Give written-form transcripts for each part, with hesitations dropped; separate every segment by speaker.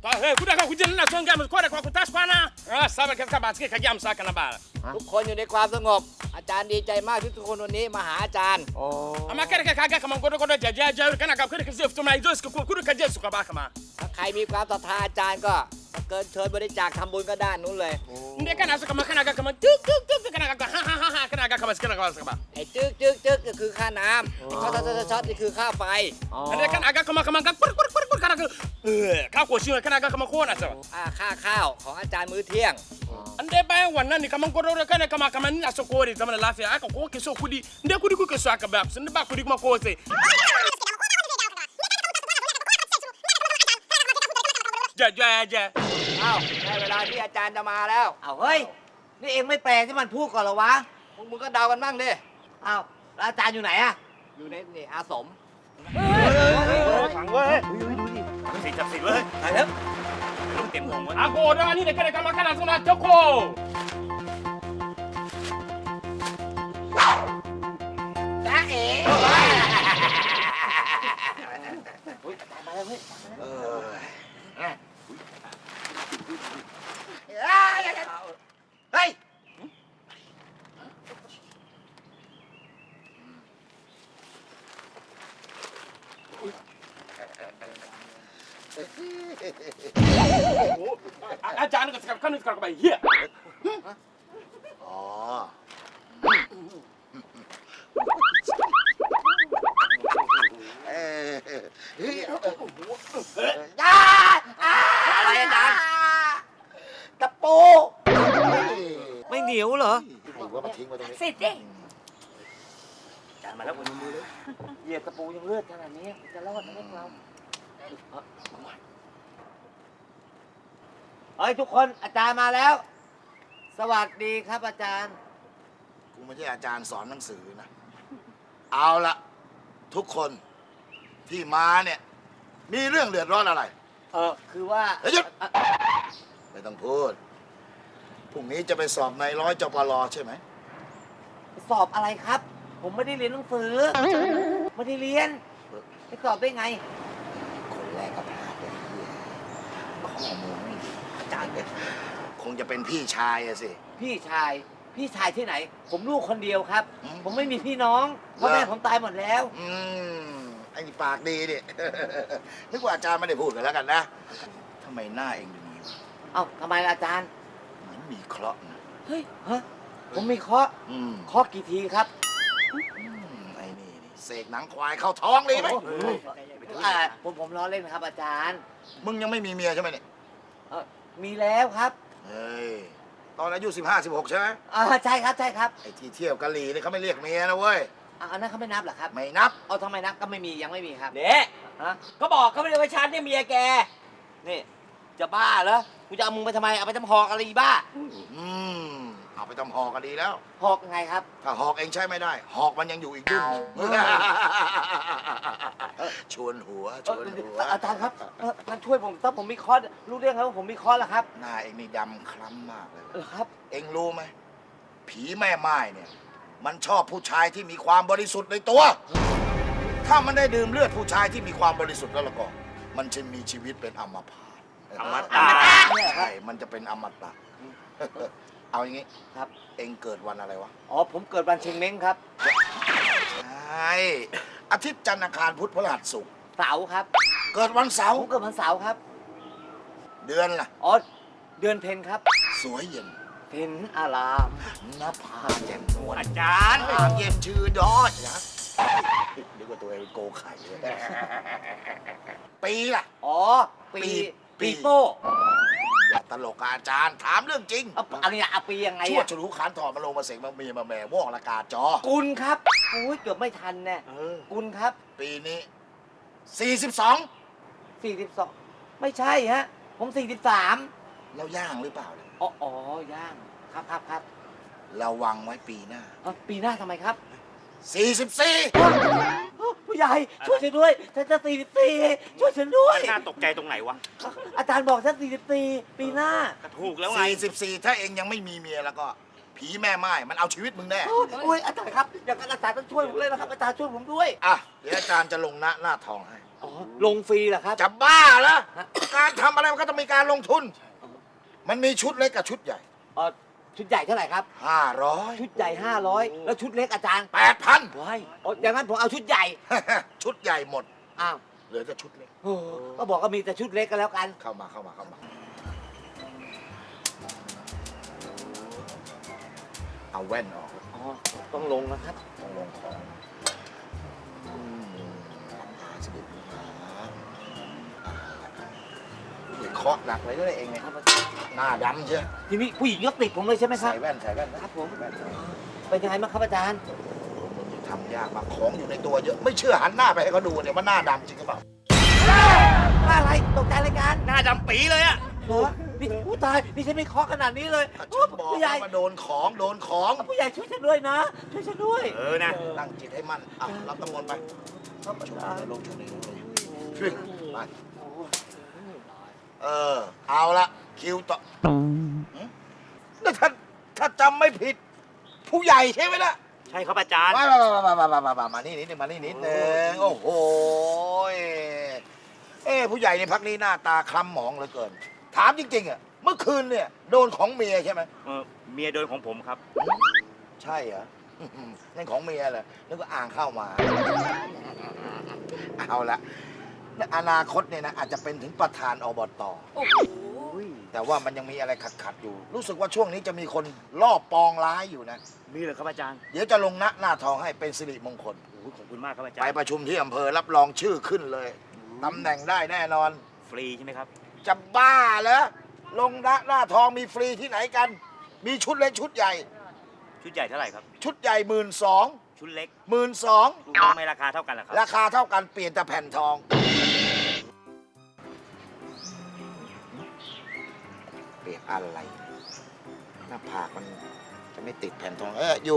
Speaker 1: Tá, kuda ka kujina na songa mu kwada kwa kutaskwana. Saba ka basike ka jam saka na bala.
Speaker 2: ทุกคนอยู่ในความสงบอาจารย์ดีใจมากที่ทุกคนวันนี้มาหาอาจารย์
Speaker 1: Ama kare ka kaga kama godo jaja kana ka kare ka zefto mai dos ka kudu ka jesu ka baka ma.
Speaker 2: ถ้าใครมีความศรัทธาอาจารย์ก็เกินเชิญบริจาคทำบุญก็ด้านนู้นเลย
Speaker 1: Nde kana so kama kana ka kama tuk kana ka ha kana ka kama skana ka ba.
Speaker 2: ไอ้จึกก็คือค่าน้ำช็อตนี่คือค่าไฟ
Speaker 1: Nde kana ka kama kana ka ko shi kana ka kama ko na sa.
Speaker 2: ค่าข้าวของอาจารย์มื้อเที่ยง
Speaker 1: Nde bayan wannan ni kaman godo kana kama ni so ko ri zaman lafiya aka ko ke so kudi nde kudi ku ke so aka ba sun ba kudi kuma ko sai. Ja
Speaker 2: อ้าวได้เวลาที่อาจารย์จะมาแล้ว
Speaker 3: เอาเฮ้ย นี่เองไม่แปลที่มันพูดก่อนเหรอวะ
Speaker 2: พวกมึงก็เดากันบ้างดิ
Speaker 3: อ้าวแล้วอาจารย์อยู่ไหนอะ
Speaker 2: อยู่ในนี่อาสม
Speaker 1: ฟังเว้ยสิจับสิเว้ย
Speaker 3: ไปแล้ว
Speaker 1: ต้องเต็มวงเว้ยAko da ni de kana kama kana so na toko.
Speaker 3: จ้าเอ๋
Speaker 2: เฮ้ย
Speaker 1: อาจารย์ก็จะกันไปเฮีย
Speaker 4: อ๋อ เอ้ย
Speaker 2: อะไรอาจารย์
Speaker 3: ตะปู ไม่เหนียวเหรอ
Speaker 4: ไอ้ว่ามาทิ้งไว้ตรงนี้
Speaker 3: สิดิ
Speaker 1: อาจารย์มาแล้วผมมือเลย
Speaker 3: เหยียบตะปูยังเลือดขนาดนี้จะรอดไหมพวกเราเฮ้ยทุกคนอาจารย์มาแล้ว สวัสดีครับอาจารย์
Speaker 4: กูไม่ใช่อาจารย์สอนหนังสือนะ เอาละทุกคนที่มาเนี่ย มีเรื่องเดือดร้อนอะไร
Speaker 3: คือว่า
Speaker 4: เฮ้ยหยุด ไม่ต้องพูด พรุ่งนี้จะไปสอบในร้อยจปรใช่ไหม
Speaker 3: สอบอะไรครับ ผมไม่ได้เรียนหนังสือ ไม่ได้เรียนไปสอบได้ไง
Speaker 4: คนแรกก็พลาดไปข้อมูลไม่ดีอาจารย์เนี่ยคงจะเป็นพี่ชายอะสิ
Speaker 3: พี่ชายที่ไหน ผมลูกคนเดียวครับ
Speaker 4: อืม
Speaker 3: ผมไม่มีพี่น้องพ่อแม่
Speaker 4: เหรอ
Speaker 3: ผมตายหมดแล้ว
Speaker 4: ไอ้นี่ปากดีดิ นึกว่าอาจารย์ไม่ได้พูดกันแล้วกันนะทำไมหน้าเองดูนี้วะ
Speaker 3: เอ้าทำไมล่ะอาจารย์
Speaker 4: เหมือนมีเคราะห์นะ
Speaker 3: เฮ้ยฮะผมมีเคราะห์
Speaker 4: อืม
Speaker 3: เคราะห์กี่ทีครับ
Speaker 4: ไอ้นี่เสกหนังควายเข้าท้องเลยไหม
Speaker 3: ผมล้อเล่นครับ อาจารย์
Speaker 4: มึงยังไม่มีเมียใช่ไหมเนี่ย
Speaker 3: มีแล้วครับ
Speaker 4: เฮ้ย ตอนอายุ15 16ใช่ไหม
Speaker 3: ใช่ครับใช่ครับ
Speaker 4: ไอ้ที่เที่ยวกะหรี่นี่เขาไม่เรียกเมียนะเว้ย
Speaker 3: อันนั้นเขาไม่นับเหรอครับ
Speaker 4: ไม่นับ
Speaker 3: เอาทำไมนับก็ไม่มียังไม่มีครับ
Speaker 5: เนี่ย
Speaker 3: ฮะ
Speaker 5: เขาบอกเขาไม่ได้ว่าฉันเนี่ยเมียแก นี่ จะบ้าเหรอ กูจะเอามึงไปทำไม เอาไปทำหอกอะไรอีบ้า
Speaker 4: อืม เอาไปทำหอกก็ดีแล้ว
Speaker 3: หอกยังไงครับ
Speaker 4: ถ้าหอกเองใช้ไม่ได้ หอกมันยังอยู่อีกยุ่งชวนหัว
Speaker 3: อาจารย์ครับงั้นช่วยผมถ้าผมมีเคราะห์รู้เรื่องครับว่าผมมีเคราะห์แล้วครับ
Speaker 4: หน้าเองนี่ดำคล้ำมากเลย
Speaker 3: เหรอครับ
Speaker 4: เองรู้ไหม ผีแม่ไม้เนี่ย มันชอบผู้ชายที่มีความบริสุทธิ์ในตัว ถ้ามันได้ดื่มเลือดผู้ชายที่มีความบริสุทธิ์แล้วล่ะก็ มันจะมีชีวิตเป็นอมพาต
Speaker 1: อมตะ
Speaker 4: ใช่ มันจะเป็นอมตะ เอาอย่างงี้
Speaker 3: ครับ
Speaker 4: เองเกิดวันอะไรวะ
Speaker 3: อ๋อผมเกิดวันเชงเม้งครับ
Speaker 4: ใช่อาทิตย์จันทร์อังคารพุธพฤหัสศุกร์
Speaker 3: เสาร์ครับ
Speaker 4: เกิดวันเสา
Speaker 3: ผ
Speaker 4: ร์
Speaker 3: มเกิดวันเสาร์ครับ
Speaker 4: เดือนล่ะ
Speaker 3: อ๋อเดือนเพ็ญครับ
Speaker 4: สวยเย็น
Speaker 3: เพ็ญอาราม
Speaker 4: หน้าผาแจ่มนวล
Speaker 1: อาจารย์
Speaker 4: หางเย็นชื่อดอยนะนึกว่าตัวเองเป็นโกไข่เลยปีล่ะ
Speaker 3: อ๋อปี
Speaker 4: ปี
Speaker 3: ปีโป้
Speaker 4: อย่าตลกกับอาจารย์ ถามเรื่องจริง
Speaker 3: เอาอะไรอะปียังไง
Speaker 4: ชั่ว
Speaker 3: อะ
Speaker 4: ฉลูขานถอดมาลงมาเสกมาเมียมาแหม่วอกละกาจอ
Speaker 3: กุลครับอุ้ยเกือบไม่ทันแน่
Speaker 4: เออ
Speaker 3: กุลครับ
Speaker 4: ปีนี้ 42
Speaker 3: 42ไม่ใช่ฮะ ผม43
Speaker 4: แล้วย่างหรือเปล่าเนี่ย
Speaker 3: อ๋อย่างครับ
Speaker 4: ระวังไว้ปีหน้า
Speaker 3: ปีหน้าทำไมครับ
Speaker 4: 44
Speaker 3: ผู้ใหญ่ช่วยฉันด้วยฉันจะ44ช่วยฉันด้วย
Speaker 1: น่าตกใจตรงไหนวะ
Speaker 3: อาจารย์บอกฉัน44ปีหน้า
Speaker 1: ก็ถูกแล้วไง
Speaker 4: 44 ถ้าเองยังไม่มีเมียแล้วก็ ผีแม่ไม้มันเอาชีวิตมึงแน่
Speaker 3: โอ้ยอาจารย์ครับอย่างนั้นอาจารย์ต้องช่วยผมเลยนะครับอาจารย์ช่วยผมด้วย
Speaker 4: อ่ะ เดี๋ยวอาจารย์จะลงหน้าทองให้
Speaker 3: อ๋อ ลงฟรีเหรอครับ
Speaker 4: จะบ้าเหรอการทำอะไรมันก็ต้องมีการลงทุน มันมีชุดเล็กกับชุดใหญ่
Speaker 3: ชุดใหญ่เท่าไหร่ครับ
Speaker 4: 500
Speaker 3: ชุดใหญ่ 500 แล้วชุดเล็กอาจารย์
Speaker 4: 8,000
Speaker 3: ว้ายอย่างนั้นผมเอาชุดใหญ่
Speaker 4: ชุดใหญ่หมด
Speaker 3: อ้าว
Speaker 4: เหลือแต่ชุดเล็ก
Speaker 3: โอ้ก็บอกว่ามีแต่ชุดเล็กก็แล้วกัน
Speaker 4: เข้ามา เอาแว่นออก
Speaker 3: อ๋อ ต้องลงนะครับ
Speaker 4: ต้องลงของหาสิบเคาะหนักเลยด้วยเองเนี่ย
Speaker 3: ครับอาจารย์
Speaker 4: หน้าดำเชียว
Speaker 3: ทีนี้ผู้หญิงก็ติดผมเลยใช่ไหมครับ
Speaker 4: ใส่แว่นนะครับ
Speaker 3: ผม
Speaker 4: แว่น
Speaker 3: เป็นยังไงบ้างครับอาจารย์
Speaker 4: ทำยากมากของอยู่ในตัวเยอะ ไม่เชื่อหันหน้าไปให้เขาดูเนี่ยว่าหน้าดำจริงหรือเปล่า
Speaker 3: อะไรตกใจรายการ
Speaker 5: หน้าดำปีเลยอะ
Speaker 3: เหรอนี่ผู้ตายนี่ฉันไม่เคาะขนาดนี้เลย
Speaker 4: ฉันบอก
Speaker 3: ผู้ใหญ่
Speaker 4: ว่าโดนของ
Speaker 3: ผู้ใหญ่ช่วยฉันด้วยนะ ช่วยฉันด้วย
Speaker 5: นะ
Speaker 4: ตั้งจิตให้มั่นอ่ะรับตำมนต์ไป
Speaker 3: ครับอา
Speaker 4: ช่วย
Speaker 3: จารย์
Speaker 4: ลงช่วยช่วยไปเอาละคิวต่อนี่ถ้าจำไม่ผิด ผู้ใหญ่ใช่ไหมล่ะ
Speaker 5: ใช่ครับอาจารย์
Speaker 4: มานี่นิดนึงมานี่นิดนึงโอ้โหผู้ใหญ่ในพักนี้หน้าตาคล้ำหมองเหลือเกิน ถามจริงๆอ่ะเมื่อคืนเนี่ยโดนของเมียใช่ไหม
Speaker 5: เมียโดนของผมครับ
Speaker 4: ใช่เหรอนั่นของเมียเหรอนึกว่าอ่างเข้ามา เอาละอนาคตเนี่ยนะอาจจะเป็นถึงประธานอบตแต่ว่ามันยังมีอะไรขัดๆอยู่ รู้สึกว่าช่วงนี้จะมีคนลอบปองร้ายอยู่นะ
Speaker 5: มีเหรอครับอาจารย์
Speaker 4: เดี๋ยวจะลงหน้าทองให้เป็นสิริมงคล
Speaker 5: โอ้ยขอบคุณมากครับอาจาร
Speaker 4: ไป
Speaker 5: ย์
Speaker 4: ประชุมที่อำเภอรับรองชื่อขึ้นเลยตำแหน่งได้แน่นอน
Speaker 5: ฟรีใช่ไหมครับ
Speaker 4: จะบ้าเหรอลงหน้าทองมีฟรีที่ไหนกัน มีชุดเล็กชุดใหญ่
Speaker 5: ชุดใหญ่เท่าไหร่ครับ
Speaker 4: ชุดใหญ่12,000
Speaker 5: ชุดเล็ก
Speaker 4: 12,000
Speaker 5: ลูกน้องไม่ราคาเท่ากันเหรอครับ
Speaker 4: ราคาเท่ากันเปลี่ยนแต่แผ่นทอง เปลี่ยนอะไร หน้าผากมันจะไม่ติดแผ่นทองอยู่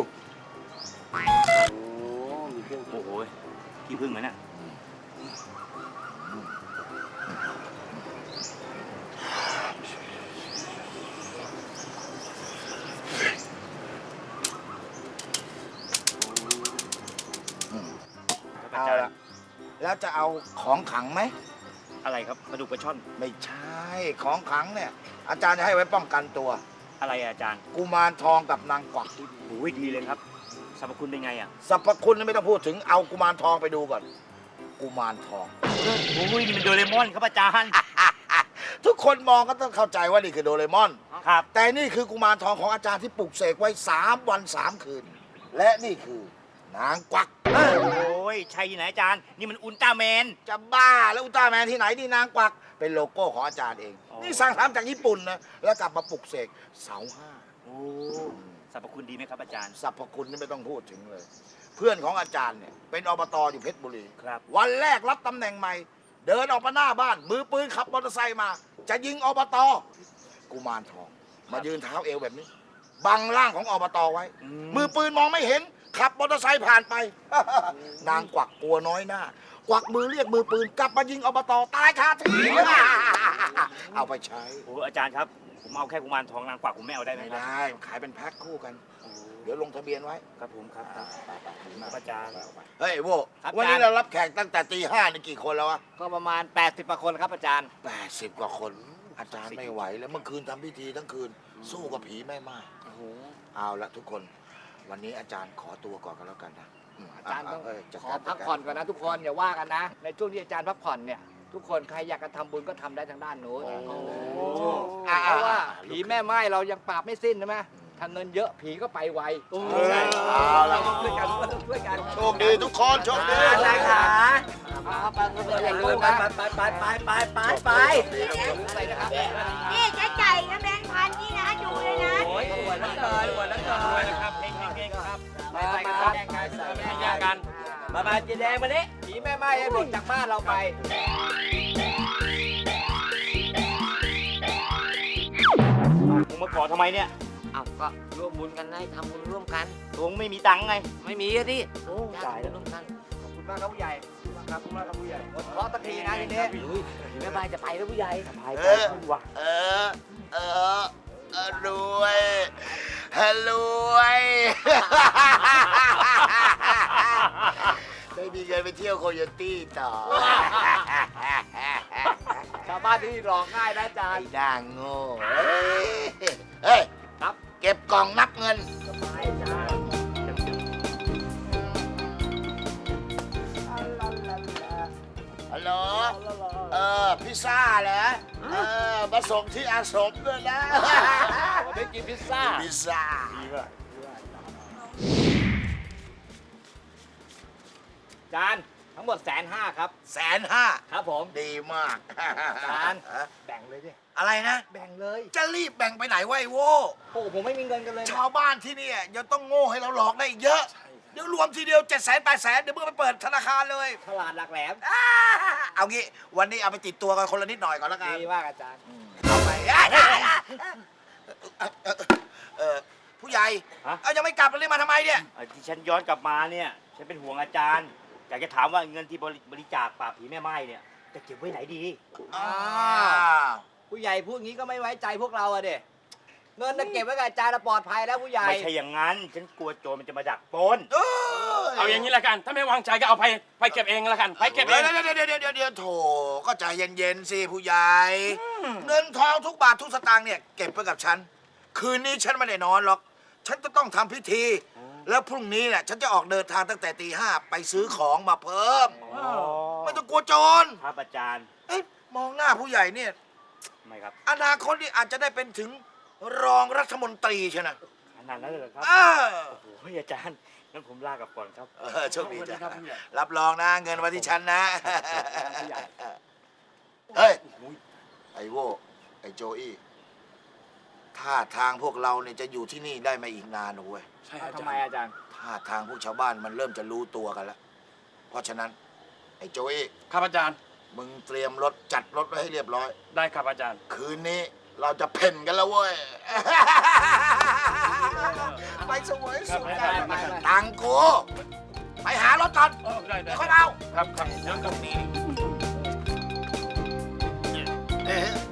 Speaker 5: โอ้โหที่พึ่งเหมือนน่ะ
Speaker 4: เอาละแล้วจะเอาของขลังไหม
Speaker 5: อะไรครับปลาดุกปลาช่อน
Speaker 4: ไม่ใช่ ของขลังเนี่ย อาจารย์จะให้ไว้ป้องกันตัว
Speaker 5: อะไรอะอาจารย์
Speaker 4: กุมารทองกับนางกวัก
Speaker 5: โอ้ยดีเลยครับสรรพคุณเป็นไงอะ
Speaker 4: สรรพคุณไม่ต้องพูดถึงเอากุมารทองไปดูก่อน กุมารทอง
Speaker 5: โอ้ยนี่มันโดเรมอนครับอาจารย์
Speaker 4: ทุกคนมองก็ต้องเข้าใจว่านี่คือโดเรมอน
Speaker 5: ครับ
Speaker 4: แต่นี่คือกุมารทองของอาจารย์ที่ปลุกเสกไว้ 3 วัน 3 คืน และนี่คือนางกวัก
Speaker 5: โอ้ยใช่ที่ไหนอาจารย์ นี่มันอุลตร้าแมน
Speaker 4: จะบ้าแล้วอุลตร้าแมนที่ไหนนี่นางกวัก เป็นโลโก้ของอาจารย์เอง
Speaker 5: อ๋อ
Speaker 4: นี่สั่งทำจากญี่ปุ่นนะแล้วกลับมาปลุกเสกเสาห้า
Speaker 5: โอ้สรรพคุณดีไหมครับอาจารย์
Speaker 4: สรรพคุณนี่ไม่ต้องพูดถึงเลย เพื่อนของอาจารย์เนี่ยเป็นอบตอยู่เพชรบุรี
Speaker 5: ครับ
Speaker 4: วันแรกรับตำแหน่งใหม่ เดินออกมาหน้าบ้าน มือปืนขับมอเตอร์ไซค์มา จะยิงอบตกุมารทอง มายืนเท้าเอวแบบนี้ บังร่างของอบตไว้ มือปืนมองไม่เห็น ขับมอเตอร์ไซค์ผ่านไป นางกวักกลัวน้อยหน้า กวักมือเรียกมือปืนกลับมายิงอบตตายคาที่ เอาไปใช้
Speaker 5: โอ้อาจารย์ครับ ผมเอาแค่กุมารทองนางกวักผมไม่เอาได้ไหม
Speaker 4: ไม่
Speaker 5: ครับ
Speaker 4: ได้ขายเป็นแพ็คคู่กัน เดี๋ยวลงทะเบียนไว้
Speaker 5: ครับผมครับ
Speaker 4: ครับ
Speaker 5: อาจารย์
Speaker 4: เฮ้ยโว
Speaker 2: ครับ
Speaker 4: วันนี้
Speaker 2: อาจารย์
Speaker 4: เรารับแขกตั้งแต่ตีห้านี่กี่คนแล้ววะ
Speaker 2: ก็ประมาณ 80กว่าคนครับอาจารย์
Speaker 4: 80 กว่าคน อาจารย์ไม่ไหวแล้วเมื่อคืนทำพิธีทั้งคืน สู้กับผีแม่ไม้เอาละทุกคน วันนี้อาจารย์ขอตัวก่อนกันแล้วกันนะ
Speaker 2: อาจารย์ต้อง
Speaker 4: จัด
Speaker 2: ขอ
Speaker 4: การ
Speaker 2: พักผ่อนก่อนนะทุกคนอย่าว่ากันนะ ในช่วงที่อาจารย์พักผ่อนเนี่ยทุกคนใครอยากจะทำบุญก็ทำได้ทางด้านโน้นเพราะว่าผีแม่ไม้เรายังปราบไม่สิ้นใช่ไหมถ้าเงินเยอะผีก็ไปไว
Speaker 4: ใช่เอาละ
Speaker 2: ต้องช่วยกันต้องช่วยกัน
Speaker 4: โชคดีทุกคนโชคดี
Speaker 2: อาจารย์ขาไปอย่าลืมนะไปนะครับ
Speaker 6: นี่เจ๊ไก่นะแบงค์พันนี่นะดูเลยนะ
Speaker 2: โอ้ยหัวนักเลยหัวนักเลย
Speaker 5: ครับเก่งครับ
Speaker 2: ไปครับไม่แย่งกันมาจีแดงมาดิผีแม่ไม้ให้หมดจากบ้านเราไป
Speaker 5: มึงมาขอทำไมเนี่ย
Speaker 2: อ้าวก็ร่วมบุญกันให้ทำบุญร่วมกัน
Speaker 5: ตรงไม่มีตังค์ไง
Speaker 2: ไม่มีอะดิ
Speaker 5: โอ้ตายแล้ว
Speaker 2: ร่วมกันขอบคุณมากครับผู้ใหญ่ขอบคุณมากครับผู้ใหญ่หมดเคราะห์ตะทีนะทีนี้ผีแม่ไม้จะไปแล้วผู้ใหญ่ไป
Speaker 4: เออรวยรวยได้มีเงินไปเที่ยวโคโยตี้ต่อ
Speaker 2: ชาวบ้านที่นี่หลอกง่ายนะอาจาร
Speaker 4: ไอ้
Speaker 2: ย์
Speaker 4: ด่างโง่เฮ้ย
Speaker 2: ครับ
Speaker 4: เก็บกล่องนับเงิน
Speaker 2: สบายอาจารย์
Speaker 4: ฮัลโหล พิซซ่าเหรอมาส่งที่อาสมด้วยนะ
Speaker 2: วันนี้กินพิซซ่า
Speaker 4: พิซซ่า
Speaker 2: อาจารย์ทั้งหมด150,000ครับ
Speaker 4: 150,000
Speaker 2: ครับผม
Speaker 4: ดีมาก
Speaker 2: อาจารย์แบ่งเลยดิ
Speaker 4: อะไรนะ
Speaker 2: แบ่งเลย
Speaker 4: จะรีบแบ่งไปไหนวะไอ้โว้
Speaker 2: โอ้ผมไม่มีเงินกันเลยนะ
Speaker 4: ชาวบ้านที่เนี่ยยังต้องโง่ให้เราหลอกได้อีกเยอะ เดี๋ยวรวมทีเดียว700,000 800,000 เดี๋ยวมึงไปเปิดธนาคารเลย
Speaker 2: ฉลาดหลักแหลม
Speaker 4: เอางี้วันนี้เอาไปติดตัวกันคนละนิดหน่อยก่อนแล้วกัน
Speaker 2: ดีมากอาจารย์
Speaker 4: เอาไปผู้ใหญ่
Speaker 5: ฮะ
Speaker 4: เอายังไม่กลับเลยมาทำไมเนี่ย
Speaker 5: ที่ฉันย้อนกลับมาเนี่ยฉันเป็นห่วงอาจารย์ อยากจะถามว่าเงินที่บริจาคปราบผีแม่ไม้เนี่ยจะเก็บไว้ไหนดี
Speaker 4: อ้าว
Speaker 2: ผู้ใหญ่พูดงี้ก็ไม่ไว้ใจพวกเราอะเด็เงินน่ะเก็บไว้กับอาจารย์น่ะปลอดภัยแล้วผู้ใหญ่
Speaker 5: ไม่ใช่อย่างนั้น ฉันกลัวโจรมันจะมาดักปล้น
Speaker 1: เอาอย่างนี้ละกัน ถ้าไม่วางใจก็เอาไปเก็บเองละกันไปเก็บเอง
Speaker 4: เดี๋ยวโถก็ใจเย็นๆสิผู้ใหญ่ เงินทองทุกบาททุกสตางค์เนี่ยเก็บไว้กับฉัน คืนนี้ฉันไม่ได้นอนหรอก ฉันจะต้องทำพิธี แล้วพรุ่งนี้เนี่ยฉันจะออกเดินทางตั้งแต่ตี 5ไปซื้อของมาเพิ่ม ไม่ต้องกลัวโจร
Speaker 5: ครับอาจารย์
Speaker 4: เอ๊ะมองหน้าผู้ใหญ่เนี่ย
Speaker 5: ไม่ครับ
Speaker 4: อนาคตนี่อาจจะได้เป็นถึงรองรัฐมนตรีใช่ไหม
Speaker 5: ขนาดนั้นเลยเหรอครับ
Speaker 4: เออ
Speaker 5: โอ้โหอาจารย์ งั้นผมลากลับก่อนครับ
Speaker 4: โชคดีจ้ะรับรองนะเงินมาที่ฉันนะ เฮ้ย ไอ้โว้ไอ้โจอี้ท่าทางพวกเราเนี่ยจะอยู่ที่นี่ได้ไม่อีกนานนะเว้ย
Speaker 1: ใช่อา
Speaker 2: ทำ
Speaker 1: จาร
Speaker 2: ไม
Speaker 1: ย์
Speaker 2: อาจารย์
Speaker 4: ท่าทางพวกชาวบ้านมันเริ่มจะรู้ตัวกันแล้ว เพราะฉะนั้น ไอ้โจอี้
Speaker 1: ครับอาจารย์
Speaker 4: มึงเตรียมรถจัดรถไว้ให้เรียบร้อย
Speaker 1: ได้ครับอาจารย์
Speaker 4: คืนนี้เราจะเพ่นกันแล้วเว้ย ไปสวยสุด
Speaker 2: ไป
Speaker 4: ตังกู ไปหารถก่อน
Speaker 1: ได้
Speaker 4: เดี๋ยวค่อยเอา
Speaker 1: ครับครับเดี๋ยวกับนี้
Speaker 4: เอ๊ะ